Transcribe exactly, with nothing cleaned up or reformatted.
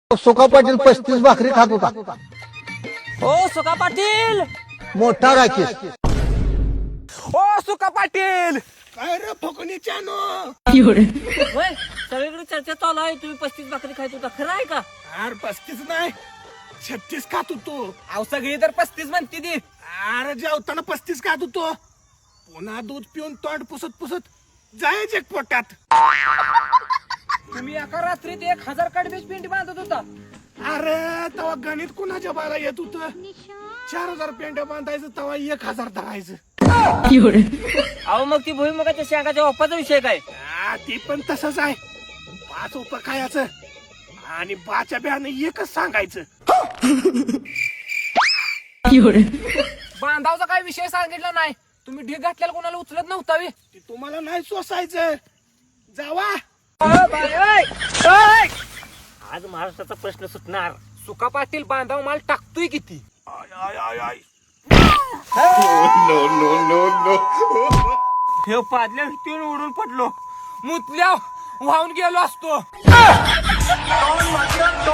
सुका पाटील पस्तीस भाकरी खात होता. ओ सुका पाटील, मोठा राकेश. ओ सुका पाटील. काय रे फकणीच्यानो होय, सगळीकडे चर्चा चालू आहे. तुम्ही पस्तीस भाकरी खायच होता, खरं आहे का? अरे पस्तीस नाही छत्तीस खात होतो. अहो सगळी तर पस्तीस म्हणते ती. अरे जेवताना पस्तीस खात होतो. पुन्हा दूध पिऊन तोंड पुसत पुसत जायच एक पोटात. तुम्ही एका रात्रीत एक हजार कडबीज पिंडी बांधत होता. अरे तेव्हा गणित कुणाच्या बाला येत होत. चार हजार पेंड्या बांधायचं तेव्हा एक हजार धरायचं. अहो मग ती भुईमुगाच्या शेंगाच्या ओपाचा विषय काय? हा, ती पण तसंच आहे. पाच उप खायचं आणि बाच्या ब्यानं एकच सांगायचं. बांधावचा काय विषय सांगितला नाही. तुम्ही ढीग घातल्याला कोणाला उचलत नव्हता बे. ती तुम्हाला नाही सोसायचं. जावा. आज महाराष्ट्राचा प्रश्न सुटणार. सुका पाटील बांधाव माल टाकतोय किती? आय आय आय आय हे पादल्या भीतीवर उडून पडलो. मुतल्या वाहून गेलो असतो.